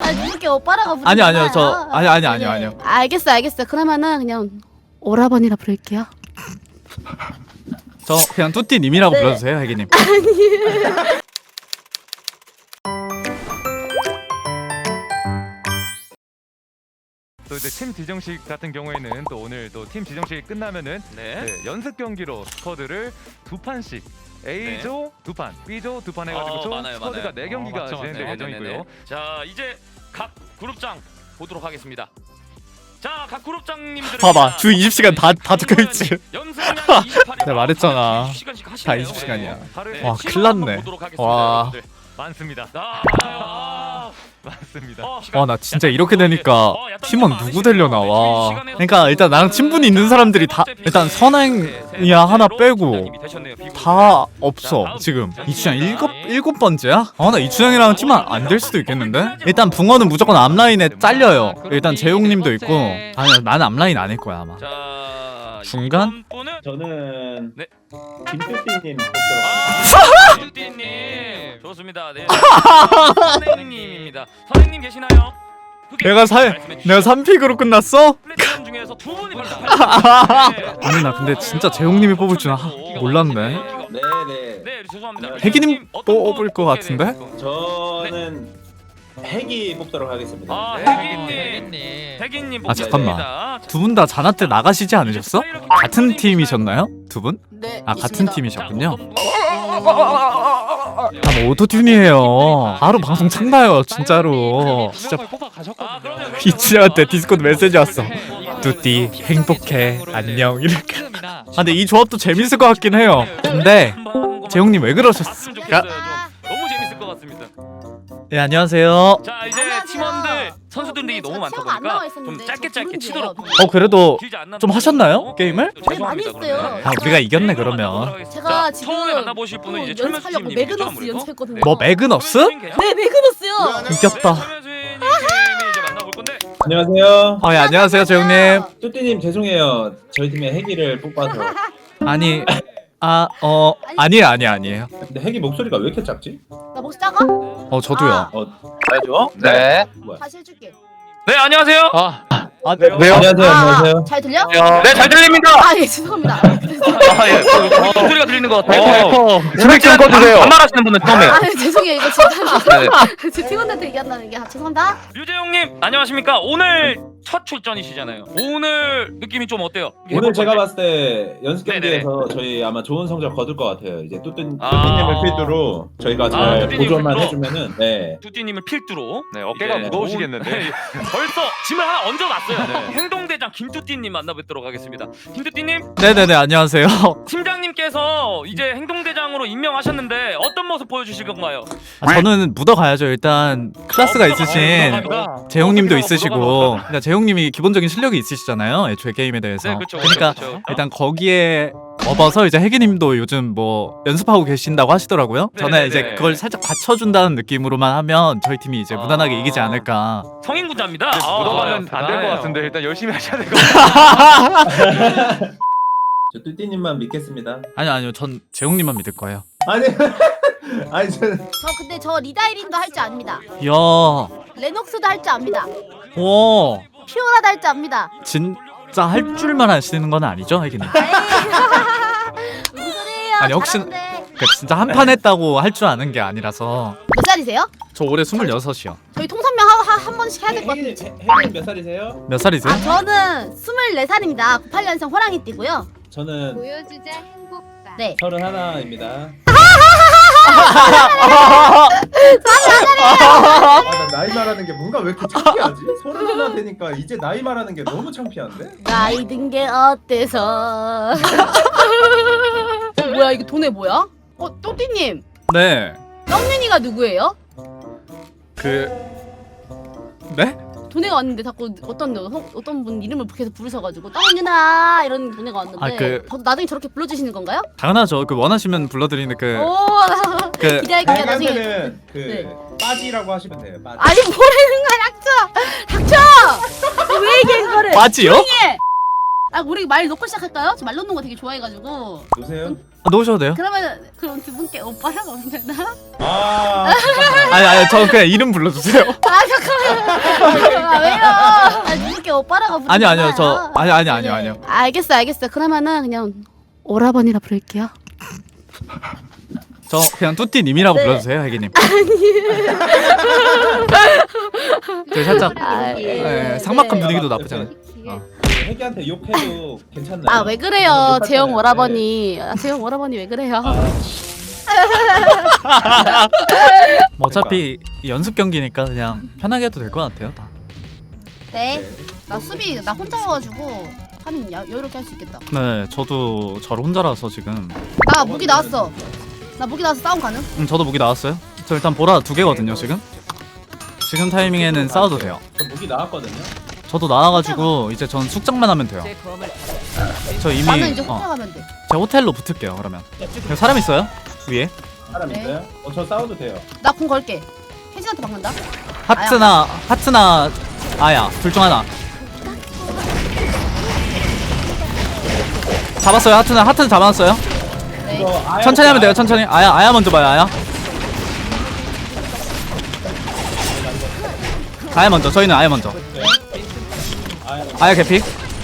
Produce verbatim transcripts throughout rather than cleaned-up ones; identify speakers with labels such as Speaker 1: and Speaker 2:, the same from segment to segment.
Speaker 1: 아 이렇게 오빠라고 부르는
Speaker 2: 아니 아니요 저
Speaker 1: 거야.
Speaker 2: 아니 아니 아니요
Speaker 1: 네.
Speaker 2: 아니요.
Speaker 1: 알겠어 알겠어. 그러면은 그냥 오라버니라 부를게요.
Speaker 2: 저 그냥 뚜띠님이라고
Speaker 1: 네.
Speaker 2: 불러주세요, 혜기님.
Speaker 3: 또 이제 팀 지정식 같은 경우에는 또 오늘 또 팀 지정식이 끝나면은
Speaker 4: 네.
Speaker 3: 네, 연습 경기로 스쿼드를 두 판씩 A조 두 판, B조 두 판 해가지고
Speaker 4: 어,
Speaker 3: 총
Speaker 4: 많아요,
Speaker 3: 스쿼드가
Speaker 4: 많아요.
Speaker 3: 네 경기가
Speaker 4: 어, 맞죠,
Speaker 3: 진행될
Speaker 4: 맞네.
Speaker 3: 예정이고요.
Speaker 4: 네네네. 자 이제 각 그룹장 보도록 하겠습니다. 자 각 그룹장님들
Speaker 2: 봐봐, 주 이십 시간 다 다 적혀 있지.
Speaker 4: 연습량이 이십팔 일.
Speaker 2: 내가 말했잖아.
Speaker 4: 이십 시간씩
Speaker 2: 다
Speaker 4: 하시네요.
Speaker 2: 이십 시간이야.
Speaker 3: 하루에
Speaker 2: 와,
Speaker 4: 시간
Speaker 2: 큰일 났네.
Speaker 4: 한번 보도록 하겠습니다,
Speaker 2: 와.
Speaker 4: 여러분들.
Speaker 3: 많습니다.
Speaker 4: 아, 아,
Speaker 3: 많습니다.
Speaker 4: 어, 시간.
Speaker 2: 와 나 진짜
Speaker 4: 약간
Speaker 2: 이렇게
Speaker 4: 이거
Speaker 2: 되니까
Speaker 4: 이제, 어, 약간
Speaker 2: 팀원
Speaker 4: 좀
Speaker 2: 누구
Speaker 4: 아쉬워요.
Speaker 2: 되려나 와.
Speaker 4: 시간에서
Speaker 2: 그러니까 일단 나랑 친분이 있는 사람들이 다 일단 선행이야 하나 빼고 다 없어 지금. 이춘향 일곱 일곱 번째야? 아 나 이춘향이랑 팀 안 될 수도 있겠는데? 일단 붕어는 무조건 앞라인에 잘려요. 일단 재용님도 있고. 아니 나는 앞라인 아닐 거야 아마.
Speaker 4: 자,
Speaker 2: 중간?
Speaker 4: 이번 분은
Speaker 5: 저는
Speaker 4: 네.
Speaker 5: 김뚜띠님 뽑도록
Speaker 4: 아, 뚜띠님 좋습니다. 네. 선생님입니다. 선생님 계시나요?
Speaker 2: 내가 사 내가 삼 픽으로 끝났어?
Speaker 4: 플랫폼 중에서 두 분이 발표하셨습니다. 네.
Speaker 2: 아니 나 근데 진짜 재용님이 뽑을 줄 아, 몰랐네.
Speaker 5: 네네.
Speaker 4: 네, 죄송합니다.
Speaker 2: 혜기님
Speaker 4: 어떤
Speaker 2: 뽑을 것
Speaker 4: 분
Speaker 2: 같은데?
Speaker 4: 뽑게 될까요?
Speaker 5: 저는 핵이 뽑도록 하겠습니다.
Speaker 4: 아,
Speaker 5: 네.
Speaker 4: 혜기님. 혜기님
Speaker 2: 아, 잠깐만.
Speaker 4: 뽑겠습니다.
Speaker 2: 두 분 다 자나 때 나가시지 않으셨어? 같은 팀이셨나요? 두 분?
Speaker 1: 네.
Speaker 2: 아 같은
Speaker 1: 있습니다.
Speaker 2: 팀이셨군요.
Speaker 4: 자, 어떤 분?
Speaker 2: 아, 뭐 오토튠이에요. 바로 방송 참나요, 진짜로. 진짜
Speaker 4: 아, 그럼요, 그럼요,
Speaker 2: 이치한테
Speaker 4: 그럼요.
Speaker 2: 디스코드 메시지 왔어.
Speaker 4: 네.
Speaker 2: 뚜띠 행복해 안녕 이렇게. 아 근데 이 조합도 재밌을 것 같긴 해요. 근데 재용님 왜 그러셨을까?
Speaker 4: 봤으면 좋겠어요, 좀. 너무 재밌을 것 같습니다.
Speaker 2: 예 안녕하세요.
Speaker 4: 자 이제
Speaker 1: 안녕하세요.
Speaker 4: 팀원들 선수들이
Speaker 1: 저
Speaker 4: 너무 많다
Speaker 1: 티어가 안
Speaker 4: 보니까
Speaker 1: 나와
Speaker 4: 좀
Speaker 1: 있었는데
Speaker 4: 짧게
Speaker 1: 저
Speaker 4: 짧게
Speaker 1: 누군지예요,
Speaker 4: 치도록.
Speaker 1: 그거.
Speaker 2: 어 그래도
Speaker 4: 길지 않나
Speaker 2: 좀
Speaker 4: 보네요.
Speaker 2: 하셨나요? 게임을?
Speaker 1: 네, 많이
Speaker 4: 죄송합니다,
Speaker 1: 했어요.
Speaker 4: 그러면.
Speaker 2: 아 우리가 이겼네
Speaker 4: 네,
Speaker 2: 그러면.
Speaker 4: 넘어가도록
Speaker 1: 제가
Speaker 4: 하겠습니다.
Speaker 1: 지금
Speaker 4: 처음에 만나보실 분은 이제
Speaker 1: 또
Speaker 4: 철면
Speaker 1: 연습하려고
Speaker 4: 수님이겠죠,
Speaker 1: 매그너스
Speaker 4: 아무래도?
Speaker 1: 연습했거든요.
Speaker 2: 뭐 매그너스?
Speaker 1: 네 매그너스요.
Speaker 2: 이겼다.
Speaker 4: 철면 수님이 이제 만나볼 건데.
Speaker 5: 안녕하세요.
Speaker 2: 아 예, 안녕하세요 재용님.
Speaker 5: 뚜띠님 죄송해요. 저희 팀에 핵이를 뽑아서.
Speaker 2: 아니 아 어 아니에요 아니에요 아니에요.
Speaker 5: 근데 핵이 목소리가 왜 이렇게 작지?
Speaker 1: 나 목소리 작아?
Speaker 2: 어 저도요.
Speaker 1: 아.
Speaker 5: 어, 알죠?
Speaker 6: 네.
Speaker 5: 뭐야?
Speaker 1: 다시 해줄게.
Speaker 4: 네 안녕하세요.
Speaker 6: 아,
Speaker 2: 아
Speaker 6: 왜요?
Speaker 5: 안녕하세요. 안녕하세요.
Speaker 1: 잘 들려?
Speaker 4: 네 잘 들립니다.
Speaker 1: 아 예 죄송합니다.
Speaker 4: 아 예. 목소리가 들리는 것 같아요.
Speaker 6: 에코. 스펙 좀 꺼주세요.
Speaker 4: 반말하시는 분은 처음이에요.
Speaker 1: 아 죄송해요 이거 진짜
Speaker 4: 네.
Speaker 1: 제 팀원한테 얘기한다는 게 아, 죄송합니다.
Speaker 4: 류재용님 안녕하십니까? 오늘 첫 출전이시잖아요. 오늘 느낌이 좀 어때요?
Speaker 5: 오늘 제가 봤을 때 연습
Speaker 4: 네네네.
Speaker 5: 경기에서 저희 아마 좋은 성적 거둘 것 같아요. 이제 뚜띠-
Speaker 4: 아.
Speaker 5: 뚜띠님을 필두로 저희가 잘
Speaker 4: 뚜띠님
Speaker 5: 보조만
Speaker 4: 필두로?
Speaker 5: 해주면은 네.
Speaker 4: 뚜띠님을 필두로
Speaker 3: 네, 어깨가
Speaker 4: 이제
Speaker 3: 무거우시겠는데.
Speaker 4: 네, 벌써 짐을 하나 얹어놨어요. 행동대장 김뚜띠님 만나뵙도록 하겠습니다. 김뚜띠님
Speaker 2: 네네네 안녕하세요.
Speaker 4: 팀장님께서 이제 행동대장으로 임명하셨는데 어떤 모습 보여주실 건가요?
Speaker 2: 아, 저는 묻어가야죠. 일단 클래스가
Speaker 4: 어,
Speaker 2: 있으신
Speaker 4: 묻어갑니다.
Speaker 2: 재용님도
Speaker 4: 어,
Speaker 2: 있으시고,
Speaker 4: 묻어갑니다.
Speaker 2: 그러니까 재용님이 기본적인 실력이 있으시잖아요. 애초에 게임에 대해서.
Speaker 4: 네, 그렇죠.
Speaker 2: 그러니까
Speaker 4: 그렇죠, 그렇죠.
Speaker 2: 일단 거기에 업어서 이제 혜기님도 요즘 뭐 연습하고 계신다고 하시더라고요. 저는
Speaker 4: 네네네.
Speaker 2: 이제 그걸 살짝 받쳐준다는 느낌으로만 하면 저희 팀이 이제
Speaker 4: 아.
Speaker 2: 무난하게 이기지 않을까.
Speaker 4: 성인군자입니다.
Speaker 3: 묻어가면
Speaker 4: 아,
Speaker 3: 안 될 것
Speaker 4: 대단해요.
Speaker 3: 같은데 일단 열심히 하셔야 될 것 같아요.
Speaker 5: 저 뚜띠님만 믿겠습니다.
Speaker 2: 아니요 아니요 전 재용님만 믿을 거예요.
Speaker 5: 아니 아니 저는
Speaker 1: 저 근데 저 리다이린도 할 줄 압니다.
Speaker 2: 이야,
Speaker 1: 레녹스도 할 줄 압니다.
Speaker 2: 오,
Speaker 1: 피오라도 할 줄 압니다.
Speaker 2: 진짜 할 줄만 아시는 건 아니죠, 혜기님?
Speaker 1: 무슨 소리예요?
Speaker 2: 아니, 혹시-
Speaker 1: 잘하는데.
Speaker 2: 그러니까 진짜 한 판 했다고 할 줄 아는 게 아니라서.
Speaker 1: 몇 살이세요?
Speaker 2: 저 올해 스물여섯이요.
Speaker 1: 저희 통선명 하, 하, 한 번씩 해야 될 것
Speaker 5: 핵이
Speaker 1: 같은데.
Speaker 5: 핵이 몇 살이세요?
Speaker 2: 몇 살이세요?
Speaker 1: 아 저는 스물네 살입니다. 구십팔 년생 호랑이띠고요.
Speaker 5: 저는
Speaker 7: 보여주자 행복감.
Speaker 1: 네.
Speaker 5: 서른 하나입니다. 아, 나 나이 말하는 게 뭔가 왜 이렇게 창피하지? 서른 하나 되니까 이제 나이 말하는 게 너무 창피한데?
Speaker 1: 나이 든 게 어때서? 뭐야 이거 돈에 뭐야? 어 또띠님
Speaker 2: 네.
Speaker 1: 떡윤이가 누구예요?
Speaker 2: 그 네?
Speaker 1: 돈에가 왔는데 자꾸 어떤 어- 어떤 분 이름을 계속 부르셔가지고 떡윤아 이런 돈에가 왔는데
Speaker 2: 아, 그-
Speaker 1: 저도 나중에 저렇게 불러주시는 건가요?
Speaker 2: 당연하죠. 그 원하시면 불러드리는 그
Speaker 1: 오
Speaker 2: 그
Speaker 1: 기대할게요 나중에.
Speaker 5: 저희한테는 그
Speaker 1: 네.
Speaker 5: 빠지라고 하시면 돼요. 빠지.
Speaker 1: 아니 뭐라는 거야 닥쳐! 닥쳐! 왜 얘기해 그거를?
Speaker 2: 빠지요?
Speaker 1: 조용히! 아 우리 말 놓고 시작할까요? 저 말 놓는 거 되게 좋아해가지고.
Speaker 5: 보세요.
Speaker 2: 아, 놓으셔도 돼요.
Speaker 1: 그러면 그럼 두 분께 오빠라고 하면 되나?
Speaker 5: 아,
Speaker 2: 아니 아니 저 그냥 이름 불러주세요.
Speaker 1: 아 잠깐만. 오빠라고 부르는
Speaker 2: 아니 아니요
Speaker 1: 거야.
Speaker 2: 저 아니 아니 아니요 아니요.
Speaker 1: 알겠어 알겠어. 그러면은 그냥 오라버니라 부를게요.
Speaker 2: 저 그냥 뚜띠님이라고
Speaker 1: 네.
Speaker 2: 불러주세요 혜기님. 저 살짝
Speaker 1: 아,
Speaker 2: 네, 삭막한 분위기도 나쁘지 않아요. 어.
Speaker 5: 혜기한테 욕해도 괜찮나요?
Speaker 1: 아 왜 그래요 재영 오라버니. 아, 재영 오라버니 왜 그래요?
Speaker 2: 뭐 어차피 연습 경기니까 그냥 편하게 해도 될 것 같아요 다.
Speaker 1: 네. 나 수비 나 혼자여가지고 하면 야- 여유롭게 할 수 있겠다.
Speaker 2: 네 저도 저 혼자라서 지금.
Speaker 1: 나 무기 나왔어. 나 무기 나와서 싸움 가능?
Speaker 2: 음 저도 무기 나왔어요. 저 일단 보라 두 개거든요 지금. 지금 타이밍에는 싸워도 돼요.
Speaker 5: 저 무기 나왔거든요.
Speaker 2: 저도 나와가지고 이제 전 숙장만 하면 돼요. 저 이미
Speaker 1: 나는 이제
Speaker 2: 어,
Speaker 1: 혼자 가면 돼.
Speaker 2: 제가 호텔로 붙을게요 그러면. 여기 사람 있어요? 위에?
Speaker 5: 사람
Speaker 1: 네.
Speaker 5: 있어요? 어, 저 싸워도 돼요.
Speaker 1: 나 공 걸게. 혜진한테 막는다.
Speaker 2: 하트나 하트나 아야 둘 중 하나. 잡았어요 하트나 하트는 잡았어요.
Speaker 1: 네.
Speaker 5: 이거 아야
Speaker 2: 천천히 하면 돼요 천천히. 아야 아야 먼저 봐요 아야. 아야 먼저 저희는 아야 먼저.
Speaker 5: 아야
Speaker 2: 아야 개피.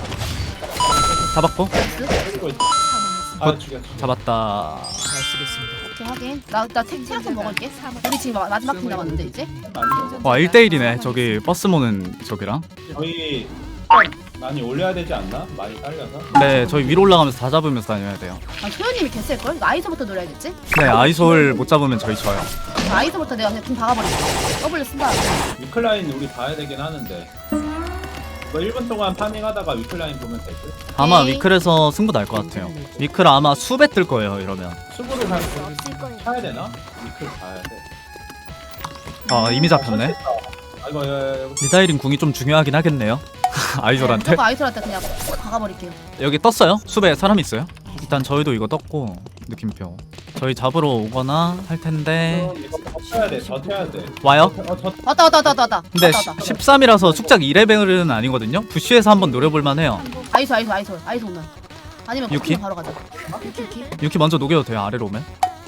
Speaker 2: 잡았고
Speaker 5: 죽이고 있어. 아 죽였어.
Speaker 2: 잡았다.
Speaker 1: 오케이 하긴. 나나 체력 좀 먹을게. 우리 지금 마- 마지막 팀 남았는데 이제.
Speaker 2: 와 일 대 일이네 저기 버스 모는 저기랑.
Speaker 5: 저희 많이 올려야 되지 않나? 많이 딸려서.
Speaker 2: 네 저희 위로 올라가면서 다 잡으면서 다녀야 돼요.
Speaker 1: 아 소연님이 개셀 걸? 아이소부터 노려야겠지?
Speaker 2: 네 아이솔 못 잡으면 저희 져요.
Speaker 1: 아이소부터 내가 그냥 좀 박아버릴게. 더블 쓴다.
Speaker 5: 위클라인 우리 봐야 되긴 하는데. 뭐 일 분 동안 파밍하다가 위클라인 보면 될 듯?
Speaker 2: 아마
Speaker 1: 네.
Speaker 2: 위클에서 승부 날 것 같아요. 위클 아마 수배 뜰 거예요 이러면.
Speaker 5: 수구를 가 차야 되나? 위클 가야 돼.
Speaker 2: 아 이미 잡혔네.
Speaker 5: 아 이거 야, 야, 야,
Speaker 2: 미다이린 궁이 좀 중요하긴 하겠네요. 아이솔한테.
Speaker 1: 저거 아이소한테 그냥 팍 박아버릴게요.
Speaker 2: 여기 떴어요? 수배 사람 있어요? 일단 저희도 이거 떴고 느낌표. 저희 잡으러 오거나 할 텐데
Speaker 5: 이거 버텨야 돼. 버텨야 돼.
Speaker 2: 와요?
Speaker 5: 어, 저
Speaker 1: 왔다 왔다 왔다 왔다 왔다.
Speaker 2: 근데
Speaker 1: 왔다, 왔다.
Speaker 2: 십삼이라서 숙작 이 레벨은 아니거든요. 부시에서 한번 노려볼만 해요.
Speaker 1: 아이소 아이소 아이소 아이소 오면. 아니면
Speaker 2: 유키?
Speaker 1: 유키 바로 가자. 유키 유키.
Speaker 2: 유키 먼저 녹여도 돼요 아래로 오면.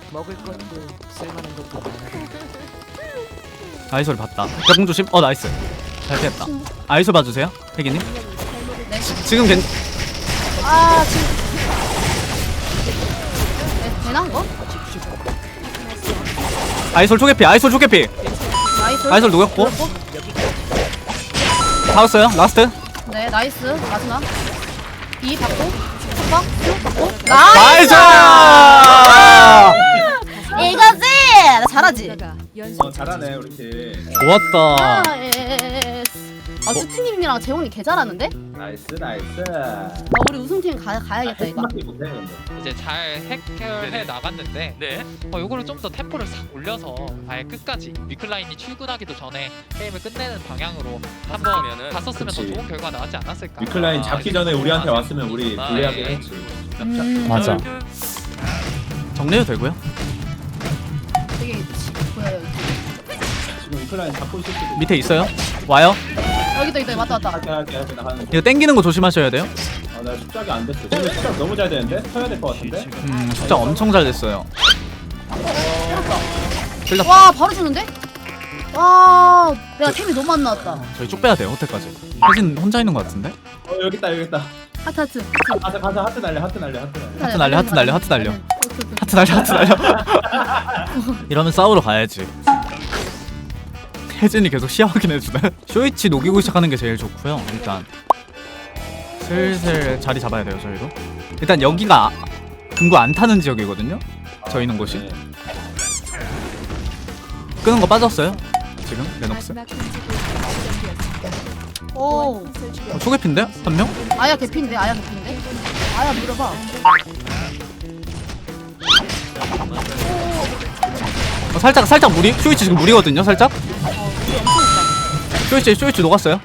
Speaker 2: 아이솔 봤다. 벽공 조심. 어 나이스. 잘 피했다. 아이솔 봐주세요 혜기님.
Speaker 1: 네.
Speaker 2: 지금 괜
Speaker 1: 아 지금. 네, 되나 이거?
Speaker 2: 아이솔 초계피 아이솔 초계피.
Speaker 1: 아이소.
Speaker 2: 아이솔 녹였고. 다 왔어요 라스트.
Speaker 1: 네 나이스 마지막. 이 받고. 한방 쭉 받고. 나이스.
Speaker 2: 나이스.
Speaker 1: 이거지. 나 잘하지.
Speaker 5: 어, 잘하네 우리 팀.
Speaker 2: 좋았다.
Speaker 1: 아, 예스. 아 뚜띠님이랑 재홍이 개 잘하는데?
Speaker 5: 나이스 나이스.
Speaker 1: 나 우리 우승팀 가, 가야겠다 이거.
Speaker 5: 해밖에 못해 근데.
Speaker 7: 이제 잘 해결해
Speaker 4: 네네.
Speaker 7: 나갔는데
Speaker 4: 네.
Speaker 7: 어, 요거를 좀 더 템포를 싹 올려서 아예 끝까지 위클라인이 출근하기도 전에 게임을 끝내는 방향으로 한번
Speaker 4: 그러면은
Speaker 7: 갔었으면 더
Speaker 5: 그치.
Speaker 7: 좋은 결과 나왔지 않았을까.
Speaker 5: 위클라인
Speaker 4: 아,
Speaker 5: 잡기
Speaker 4: 이제
Speaker 5: 전에 우리한테
Speaker 4: 아,
Speaker 5: 왔으면 우리
Speaker 4: 아,
Speaker 5: 불리하게
Speaker 4: 예.
Speaker 5: 했지.
Speaker 1: 음,
Speaker 2: 맞아. 정리해도 되고요.
Speaker 1: 되게 치- 보여요.
Speaker 5: 지금 위클라인 잡고 있을 수도.
Speaker 2: 밑에 있어요. 와요.
Speaker 1: 여기도 여기도 왔다 왔다.
Speaker 5: 할게 할게 할게 나 하는 거.
Speaker 2: 이거 땡기는 거 조심하셔야 돼요.
Speaker 5: 아나 숙작이 안 됐어. 지금 숙작 너무 잘 되는데? 쳐야 될 것 같은데?
Speaker 2: 음 숙장 엄청 잘 됐어요. 찔렀다.
Speaker 1: 와 바로 주는데? 와 내가 템이 너무 안 나왔다.
Speaker 2: 저희 쭉 빼야 돼요 호텔까지. 혜진 혼자 있는 거 같은데?
Speaker 5: 어 여기 있다 여기 있다.
Speaker 1: 하트 하트.
Speaker 5: 가자 가자 하트 날려 하트 날려 하트 날려.
Speaker 2: 하트 날려, 하트 날려, 하트 날려.
Speaker 1: 오케이, 오케이.
Speaker 2: 하트 날려 하트 날려. 이러면 싸우러 가야지. 혜진이 계속 시야 확인해주네. 쇼이치 녹이고 시작하는 게 제일 좋고요. 일단 슬슬 자리 잡아야 돼요 저희도. 일단 여기가 금고 안 타는 지역이거든요. 저 있는 곳이.
Speaker 5: 네.
Speaker 2: 끄는 거 빠졌어요. 지금 레녹스.
Speaker 1: 오
Speaker 2: 어, 초계핀데 한 명?
Speaker 1: 아야 개피인데 아야 개피인데? 아야 물어봐.
Speaker 2: 어, 살짝 살짝 무리. 쇼이치 지금 무리거든요. 살짝. 쇼이치 쇼이치 녹았어요.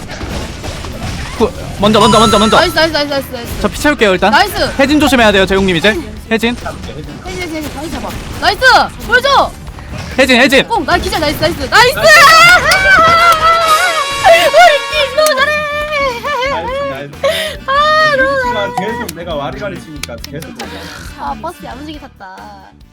Speaker 2: 후, 먼저 먼저 먼저 먼저.
Speaker 1: 나이스 나이스 나이스 나이스 나이스.
Speaker 2: 저 피 채울게요 일단.
Speaker 1: 나이스.
Speaker 2: 혜진 조심해야 돼요 재용님 이제. 혜진
Speaker 1: 혜진 혜진 혜진 다시 잡아. 나이스 보여줘.
Speaker 2: 혜진 혜진.
Speaker 1: 꽁! 나 기절 나이스 나이스 나이스! 우리 팀 너무 잘해!
Speaker 5: 나이스
Speaker 1: 아 너무
Speaker 5: 나이스. 계속 내가 와리가리 치니까 계속.
Speaker 1: 아 버스 야무지게 탔다.